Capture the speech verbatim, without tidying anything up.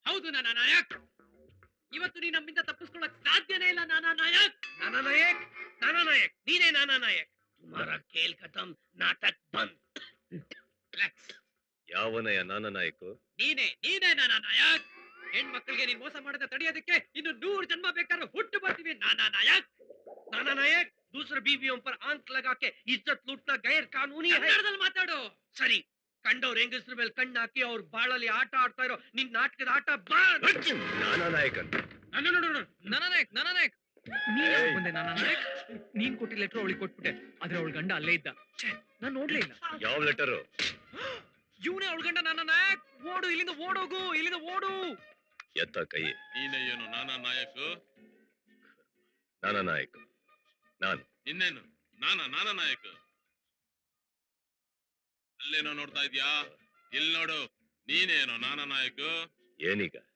ಹೌದು ನಾನಾ ನಾಯಕ್. ಇವತ್ತು ನೀ ನಮ್ಮಿಂದ ತಪ್ಪಿಸ್ಕೊಳ್ಳಕ್ ಸಾಧ್ಯನೇ ಇಲ್ಲ ನಾನಾ ನಾಯಕ್. ನಾನಾ ನಾಯಕ್, ನಾನಾ ನಾಯಕ್, ನೀನೇ ನಾನಾ ನಾಯಕ್. ತುಮಾರ ಖೇಲ್ ಖತಮ್, ನಾಟಕ್ ಬಂದ್. ಯಾವನಯ್ಯ ನಾನ ನಾಯಕು? ನೀನೇ ನೀನೇ ನಾನಾ ನಾಯಕ್. ಹೆಣ್ಮಕ್ಳಿಗೆ ನೀನ್ ಮೋಸ ಮಾಡದ ತಡೆಯೋದಕ್ಕೆ ಇನ್ನು ನೂರು ಜನ್ಮ ಬೇಕಾದ್ರೂ ಹುಟ್ಟು ಬರ್ತೀವಿ ನಾನಾ ನಾಯಕ್. ನಾನಾ ನಾಯಕ್, दूसरे बीवियों पर आंख लगा के इज्जत लूटना गैर कानूनी है. ಕನ್ನಡದಲ್ಲಿ ಮಾತಾಡು. ಸರಿ, ಕಂಡವ್ರ ಹೆಂಗಸ್ರ ಮೇಲೆ ಕಣ್ಣಾಕಿ ಅವ್ರ ಬಾಳಲ್ಲಿ ಆಟ ಆಡ್ತಾ ಇರೋ ನಿನ್ ನಾಟಕದ ಆಟ ಬಂದ್. ನಾನಾ ನಾಯಕ್ ಅಂತ. ನಾನು ನೋಡು ನೋಡು ನಾನಾ ನಾಯಕ್, ನಾನಾ ನಾಯಕ್. ನೀನ್ ಬಂದೆ ನಾನಾ ನಾಯಕ್. ನೀನ್ ಕೊಟ್ಟಿ ಲೆಟರ್ ಅವಳಿಗೆ ಕೊಟ್ಬಿಟ್ಟೆ, ಆದ್ರೆ ಅವಳ ಗಂಡ ಅಲ್ಲೇ ಇದ್ದ. ನಾನ್ ನೋಡ್ಲೇ ಇಲ್ಲ. ಯಾವ ಲೆಟರು? ಇವನೇ ಅವಳ ಗಂಡ ನಾನಾ ನಾಯಕ್. ಓಡು ಇಲ್ಲಿಂದ, ಓಡೋಗು ಇಲ್ಲಿಂದ, ಓಡು. ಎತ್ತ ಕೈ. ನೀನೇ ಏನು ನಾನಾ ನಾಯಕ್? ನಾನಾ ನಾಯಕ್ ನಾನು. ಇನ್ನೇನು ನಾನಾ ನಾನಾ ನಾಯಕ್? ಅಲ್ಲೇನೋ ನೋಡ್ತಾ ಇದ್ಯಾ? ಇಲ್ಲಿ ನೋಡು, ನೀನೇನೋ ನಾನಾ ನಾಯಕ್. ಏನೀಗ?